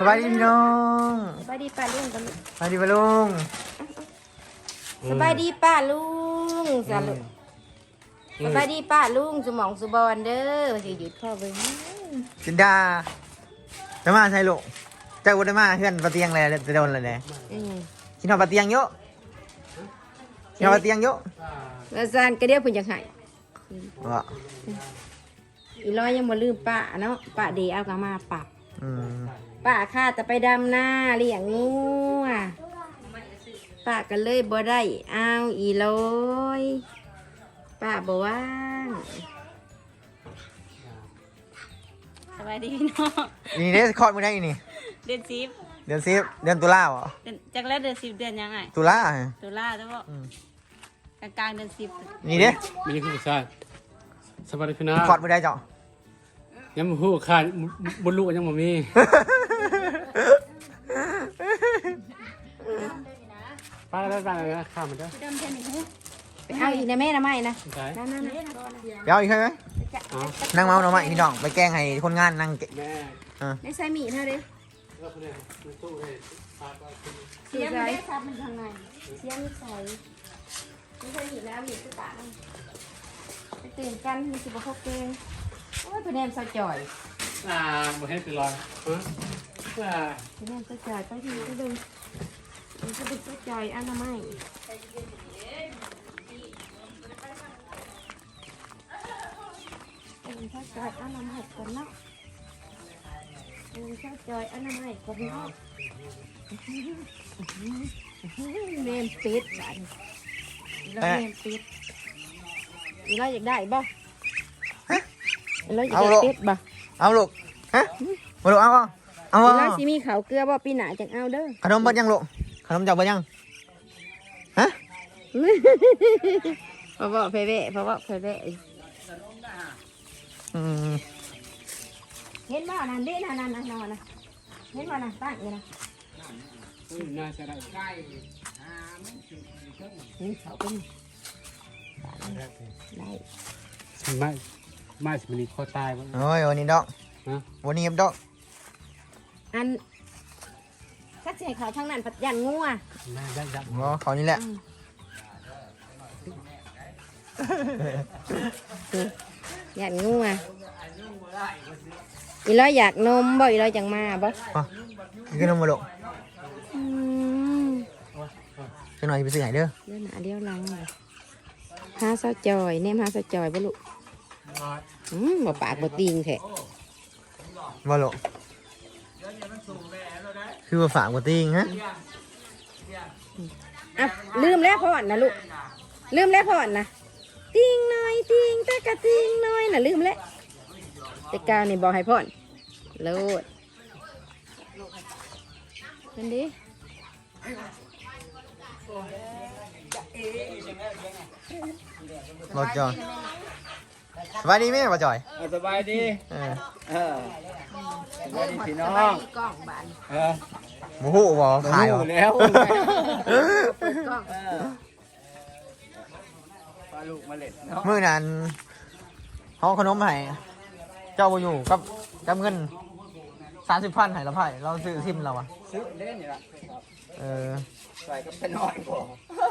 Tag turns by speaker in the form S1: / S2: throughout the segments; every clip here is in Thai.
S1: สบายดีพี่น้อง
S2: สบายดีป้าลุงกัน
S1: สบายดีป้าลุง
S2: สบายดีป้าลุงสลุสบายดีป้าลุงสมองสุบอนเด้อจะหยุดข้อเบิ้ง
S1: จินดาจะมาใช่ลูกเจ้าบุญมาเพื่อนปะเตียงเลยจะโดนเลยเนี่ยกินหอปะเตียงเยอะกินหอปะเตียงเยอะ
S2: แล้วซานก็เดียวเพิ่นจังไห้
S1: ว่ะ
S2: อีร้อยยังบ่ลืมป้าเนาะป้าเดีเอากลับมาปรับ
S1: อืม
S2: ป้าข้าจะไปดำหน้าเลี้ยงงูป้าก็เลยบ่ได้เอาอีร้อยป้าบ่ว่าง
S3: สบายดีพี่น้อง
S1: นี่เนี่ยคลอดมือได้อีนี่
S3: เดือนสิบ
S1: เดือน10เดือนตุลาเหรอ
S3: จากแล้วเดือนสิบเดือนยังไง
S1: ตุลา
S3: ตุลาแล้วก็กลางเดือนสิบ
S1: นี่เด้
S4: มีคือผู้ชายสวัสดีพี่น้อง
S1: คลอดมือได้เจ้า
S4: ยังบ่ฮู้ขาดบ่รู้ยังบ่มีไปแล้วข้ามมันเด้อ
S2: ไปเอาอีกนะแม่นะไม่นะ
S4: ได้
S2: นั่น
S1: เดี๋ยวอีกใช่ไหมนั่งเมาหน่อไม้พี่น้องไปแกล้งให้คนงานนั่ง
S4: แม่
S2: ได้ใส่หมี่เท่าเด้
S4: แล้วคนนี้มันตู้ให้พาไป
S2: เสียงได้ซับมันทางในเสียงใส่ไม่ใช่หมี่แล้วหมี่คือตาไปตื่นกันมีสิบหกเกงโอ้ยเป็นแนมสะจ่อย
S4: บ่ให้ไปลอยฮะ
S2: เป็นแนมสะจ่อยไปที่ก็ดูมันจะเป็นสะจ่อยอันละไม่เป็นสะจ่อยอันละไม่ก่อนเนาะเป็นสะจ่อยอันละไม่ก่อนเนาะเนมปิดบ้านเราเนมปิดเราอยากได้บ่เราอยากได้ปิดบ่
S1: เอาลูกฮะมาลูกเอาเอา
S2: เราสิมีเขาวเกลือบ่ปีหน้าจังเอาเด้อ
S1: ขนมเบิดยังลูกขนมจับเบิดยังฮะ
S2: เพราะว่าเพเวเพราะว่าเพเว
S1: อืม
S2: เห็นบ่นั่นเด้นั่นนั่นนั่นนั่นเห็นบ่นั่นตั้งอยู่นะ
S4: น่าจะได้
S2: นี่เขาเป็นได้
S4: ไม่สิมีคอตายบ่
S1: โอ้ยวันนี้ดอก
S4: ฮะ
S1: วันนี้ดอก
S2: อันถ้าเสียเขาทางนั้นปัดยันงัว
S4: น่าได้ยับ
S1: อ๋อเขานี่แหละ
S2: ยันงัวอีร้อยอยากนมบ่อีร้อยจังมาบ่
S1: กินขนมมาลูกจังหน่อยไปซื้อให้เด้อ
S2: เดี๋ยวหน้าเดี๋ยวหลังเลยหาเสาจอยเนมหาเสาจอยบ่ลูกบ่ปากบ่ติงแท้
S1: มาลูกคือว่าฝากกว่าติงฮะ
S2: อ่ะลืมแล้วพ่อนนะลูกลืมแล้วพ่อนนะติงหน่อยติงแต่กะติงหน่อยน่ะลืมแล้วแต่กาวนี่บอกให้พ่อนโลดเป็นดิ
S1: รถจอยสบายดีไหมป้าจอย
S5: สบายดี
S1: เออ
S5: สบายดีพี่น้อง
S2: กล้องบาน
S1: หมูหูบ่ขาย
S5: อ
S1: บ่
S5: ยู่แล้ว
S2: เปิดกล้อง
S5: ปลาลูกมาเล็ดเนาะ
S1: มื้อนั้นเขาเอาขนมให้เจ้าบ่อยู่กับเงิน30,000ให้ละไผ่เราซื้อซิมเราอ่ะ
S5: ซื้อเล่นนี่ละ
S1: เออ
S5: ใส่กับเป็นน้อยบ่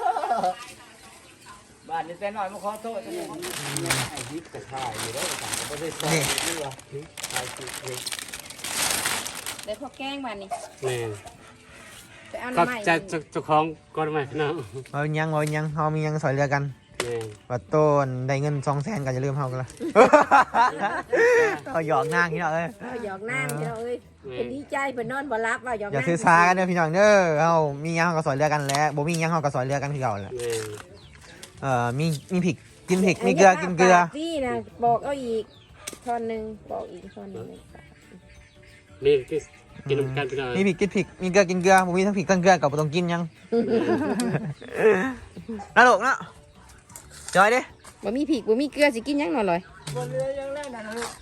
S5: บ้านนี้เป็นน้อยมาขอโทษจังเลยไอ้ฮิปกระชายอยู่แล้วต่างก็ไม่ได้ใส่นี่วะฮิปชายฮิปเอง
S2: เดี๋ยวพอแกล้งบานนี่
S4: แม่
S2: ไปเอา
S4: ก็
S2: น้ำใหม่
S4: จะเจ้าของก่อนไหมพี่น้อง
S1: เอายังเฮามียังสอยเรือกัน
S4: แม่
S1: ว่าต้นได้เงิน200,000ก็จะลืมเฮากันละ เอาหยอกนางนี่เนาะเอ้ย
S2: เอาหยอกน้ำพี่น้องเอ้ยเป็นดีใจเป็นนอนบ่รับว่าหยอก
S1: อย่า
S2: น้ำ
S1: ซื้อซากันเด้อพี่น้องเด้อเฮามียังเฮาก็สอยเรือกันแหล้วบ่มียังเฮาก็สอยเรือกันคือเก่าแหละ
S4: แม่
S1: มีพริกกินพริกมีเกลือกินเกลือ
S2: พี่นะบอกเอาอีกท่อนหนึ่งบอกอีกท่อนหนึ่ง
S4: นี่กินน้ำกันพี่น้อง
S1: มีพริกกินพริกมีเกลือกินเกลือบ่มีทั้งพริกทั้งเกลือก็บ่ต้องกินหยังน่าลูกเนาะจอยเด้
S2: บ่มีผิกบ่มีเกลือสิกินหยังหน่อยเลย
S5: บนเรือยังเล่นนะลูก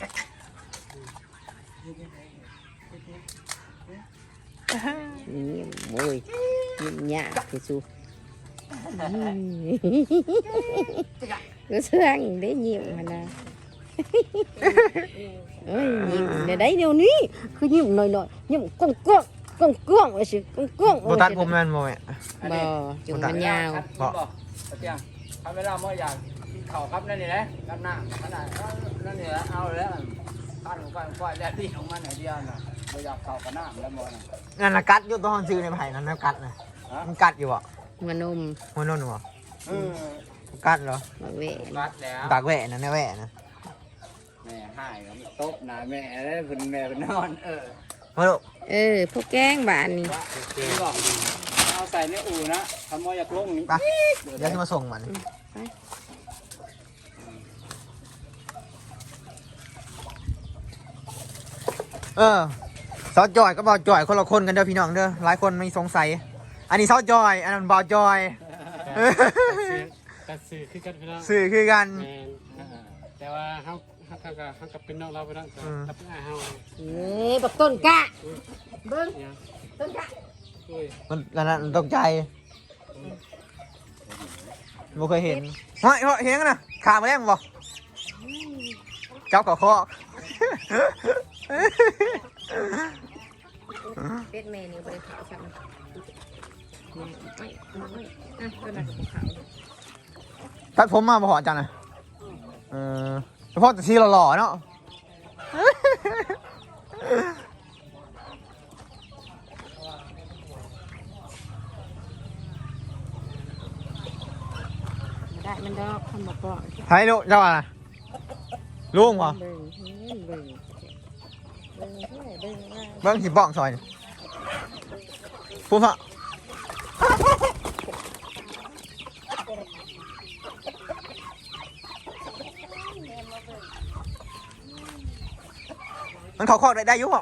S2: นี่โอ้ยยิ้มยากที่สุดก็เสื่องได้ยิ้มมันนะเอ้ยยิ้มเดี๋ยวได้เดี๋ยวนี้คือยิ้มหน่อยๆยิ้มก้องก้องก้องก้องว่าสิก้องก้อง
S1: โบตัดผมแม่นโมแม่
S2: บ่จุงมันยาว
S5: บอกเตียงทำเวลาเมื่ออยากกินข้าวครับนั่นนี่แหละครับหน้าขนาดนั่นนี่แหละเอาแล้วก้อนแล้วที่ของมันไหนเดียวน่ะเราอยากข้าวกับน้ำแล้วมอน่ะ
S1: นั่นนะกัดอยู่ตัวห้องซื้อในไผ่นั่นนะกัดนะมันกัดอยู่อ่ะ
S2: มันนม
S1: มันนั่นวะกัดเหรอ
S2: บักเว
S5: รัดแล้ว
S1: ปากแหวะนะแหวะนะ
S5: แม่ให้ก็ตบหน้าแม่แล้วคุณแม่เป็นนอน
S1: มาลูก
S2: พวกแกงบ้านนี่
S5: บอกเอาใส่ในอู่นะทำมออยากลงนี่
S1: ไปเดี๋ยวจะมาส่งมันซอสจอยก็บอจอยคนละคนกันเด้อพี่น้องเด้อหลายคนมีสงสัยอันนี้ซอสจอยอันนั้นบอจอย
S4: แต่สื่อคือกันพี่น้อง
S1: สื่อคือกัน
S4: แม่นแต่ว่าเขากับเป็นน้องเราไปแล้วกับเป็นอาเฮา
S2: บักต้นกะเบิ้ง
S4: เนี่ย
S2: ต้นกะ
S4: อุ้ย
S1: มันนั้นตกใจไม่เคยเห็นเฮ้ยเห็นกันนะขามาแรงบ่เจ้าก่อคอ
S2: เป็ดแม่นี่บ่ได้ขาวซ้ำไม่ต้นนั้นขาว
S1: ตัดผมมาบ่หอจังนะเฉพาะแต่ทีหล่อๆเนาะ
S2: ได้มันดอกทำมาก่อน
S1: ไทยลูกเจ้าอะไรลุงวะ
S2: เบิ่งเบิ่ง
S1: เบิ้งสิบ้องซอยพูดพะมันเขาคอกได้อยุ่งเหรอ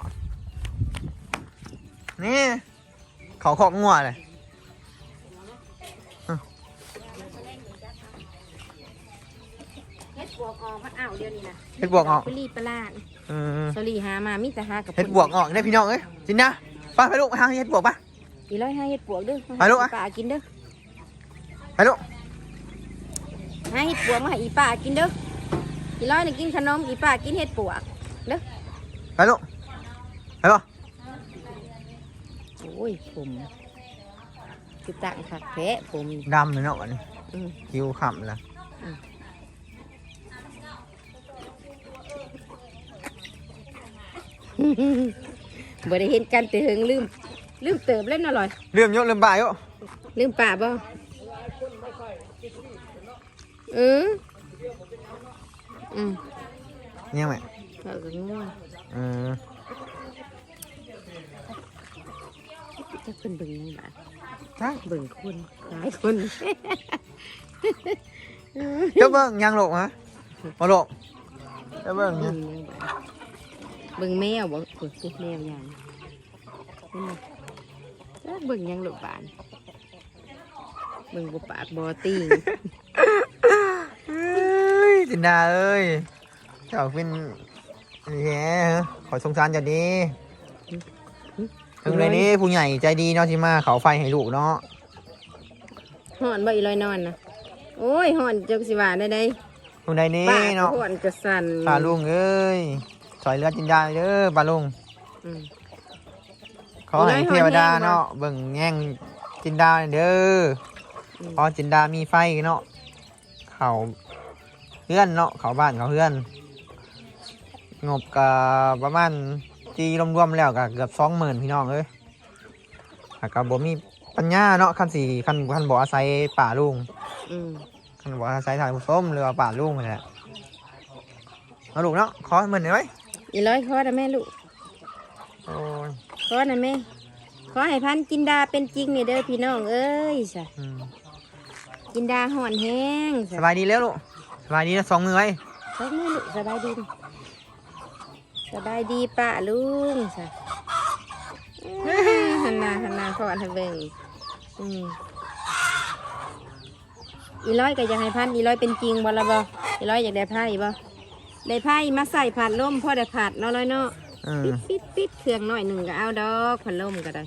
S1: นี่เขาคอกงัวเลย
S2: เฮ็ดบวกออกมาอ้าวเดี๋ยวนี้นะ
S1: เฮ็ดบวกออก
S2: ไปรีบปลาด
S1: อืม
S2: สลีหามามีแต่หากับ
S1: เฮ็ดบวกออกได้พี่น้องเอ้ยจินนะไปลูกไปหาเฮ็ดบวกปะ
S2: อีร้อยหาเฮ็ดบวกเด้อ
S1: ไปลูกอะ
S2: ป่ากินเด้อ
S1: ไปลูก
S2: หาเฮ็ดบวกมาให้อีป่ากินเด้ออีร้อยนี่กินขนมอีป่ากินเฮ็ดบวกเด้อ
S1: ไปลูกไปป่ะ
S2: โอ้ยผมคือตั้งคักแท้ผม
S1: ดำเลยเนาะวันนี้
S2: อืม
S1: คิวขำละ
S2: บ่ได้เห็นกันแต่เฮิงลืมเติบเล่นอร่อย
S1: เลื่อมเยอะเลื่อมบ่ายเยอะ
S2: ลืมป่าบ่อืม
S1: เนี่ยไหม
S2: เราก็ง่วง จะเป็นเบิ่งในบ้าน
S1: ใช่
S2: เบิ่งคนหลายคน
S1: เจ้าเบิ้งยังลูกฮะมาลูกเจ้าเบิ้งยัง
S2: เบิ่งแมวบ่เปิดแมวยังเบิ่งยังลูกบ้านเบิ่งบ่ปากบ่ติง
S1: จินดาเอ้ยเจ้าเป็นนี่แหละขอสงสารเจ้าดีถึงเลยนี้ผู้ใหญ่ใจดีเนาะที่มาเขาไฟให้ลูกเนาะ
S2: ห่อนบ่อีลอยนอนนะโอ้ยห่อนจังสิว่าได้
S1: ผู้ใดนี้
S2: ป้า
S1: เนาะ
S2: ห่อนจะสั่น
S1: ปลาลุงเอ้ยสอยเลือดจินดาเด้อปลาลุง
S2: อืม
S1: ขอให้เทวดาเนาะเบิ่งแง่งจินดาเด้อพอจินดามีไฟเนาะเขาเพื่อนเนาะเขาบ้านเขาเพื่อนงบกับประมาณตีรวมๆแล้วก็เกือบ20,000พี่น้องเอ้ยกับบ่มีปัญญาเนาะคันสี่คันบ่อาศัยป่าลุง
S2: อืม
S1: คันบ่อาศัยทางผู้ส้มหรือว่าป่าลุงนี่แหละเอาลูกเนาะขอ10,000หน่อยไว้
S2: อีร้อยขอได้แม่ลูก
S1: โอ้ย
S2: ขอได้แม่ขอให้พันกินดาเป็นจริงนี่เด้อพี่น้องเอ้ยจ้ะ กินดาห่อนแห้ง
S1: สบายดีแล้วลูกสบายดีนะ2 มือไว้
S2: สบายดีสบายดีสบายดีป้าลุงจ้ะหันหน้าขอให้เบิ่งอีร้อยก็อยากให้พันอีร้อยเป็นจริงบ่ละบ่อีร้อยอยากได้ไพ่บ่ได้ไพ่มาใส่ผัดลมพอได้ผัดเนาะร้อยเนาะปิดเครื่องหน่อยหนึ่งก็เอาดอกผัดลมก็ได้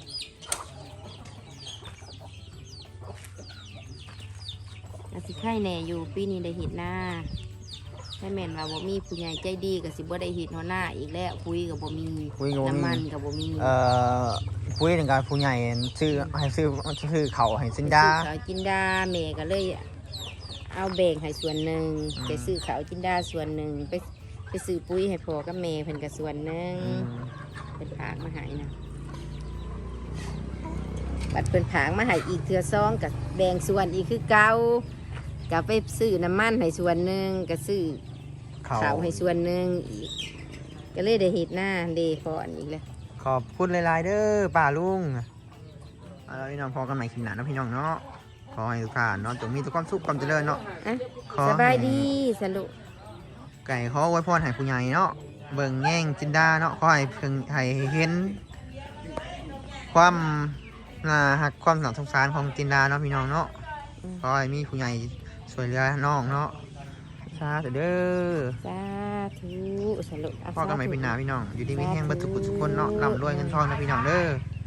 S2: อาสิไข่แหน่อยู่ปีนี้ได้เห็ดหน้าถ้าแม่นว่าบ่มีผู้ใหญ่ใจดีก็สิบ่ได้เฮ็ดหัวหน้าอีกแล้วปุ๋ยก็บ่มี
S1: ปุ๋ยก็บ่มี
S2: น้ำมันก็บ่มี
S1: ปุ้ยถึงการผู้ใหญ่ซื้อให้ซื้อเขาให้ซินดา
S2: ซื้อข้าวจินดาแม่ก็เลยเอาแบ่งให้ส่วนหนึ่ง
S1: อืม
S2: ไปซื้อข้าวจินดาส่วนหนึ่งไปซื้อปุ๋ยให้พ่อกับแม่เพิ่นก็ส่วนหนึ่ง เป็นผางมาใหายนะบัดเป็นผางมาใหายอีกเทือซองกับแบ่งส่วนอีกคือเก่ากับไปซื้อน้ำมันให้ส่วนหนึ่งกับซื้อ
S1: เขา
S2: ข้าวให้ส่วนหนึ่งอีก ก็เลยได้เห็ดหน้าเดฟอนอีกเลย
S1: ขอบคุณหลายๆเด้อป้าลุงแล้วพี่น้องพอกันใหม่คลิปหน้านะพี่น้องเนาะขอให้ทุกท่านเนาะจงมีแต่ความสุขความเจริญเนาะ
S2: อ่ะ
S1: ขอ
S2: สบายดีสรุป
S1: ไก่ขออวยพรให้ผู้ใหญ่เนาะเบิ่งแง่งจินดาเนาะขอให้เพิ่งให้เห็นความหักความสงสารของจินดาเนาะพี่น้องเนาะขอให้มีผู้ใหญ่ช่วยเหลือน้องเนาะสาธุเด้อ
S2: สาธุสรุป
S1: พอกันใหม่เป็นหน้าพี่น้องอยู่ดีมีแห้งเบัดทุกคนเนาะร่ำรวยเงินทองนะพี่น้องเด้อ